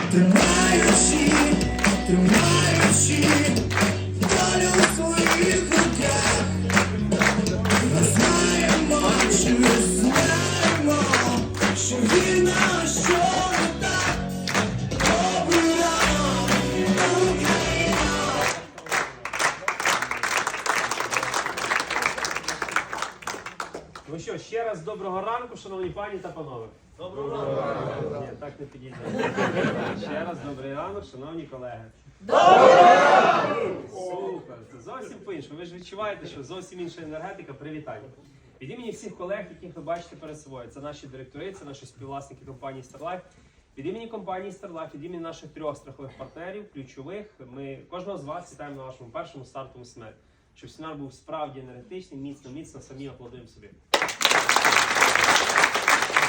тримаючи долю у своїх руках. Ми знаємо, що вірно, що не так. Добрий ранок, Україна. Ну що, ще раз доброго ранку, шановні пані та панове. Доброго ранку. Ні, так не підійде. Ще раз добрий ранок, шановні колеги. Доброго ранку! Супер, це зовсім по-іншому. Ви ж відчуваєте, що зовсім інша енергетика. Привітання. Від імені всіх колег, яких ви бачите перед собою, це наші директори, це наші співвласники компанії StarLife. Від імені компанії StarLife, від імені наших 3 страхових партнерів, ключових, ми кожного з вас вітаємо на вашому першому стартовому семінарі. Щоб семінар був справді енергетичний, міцно, самі аплодуємо собі.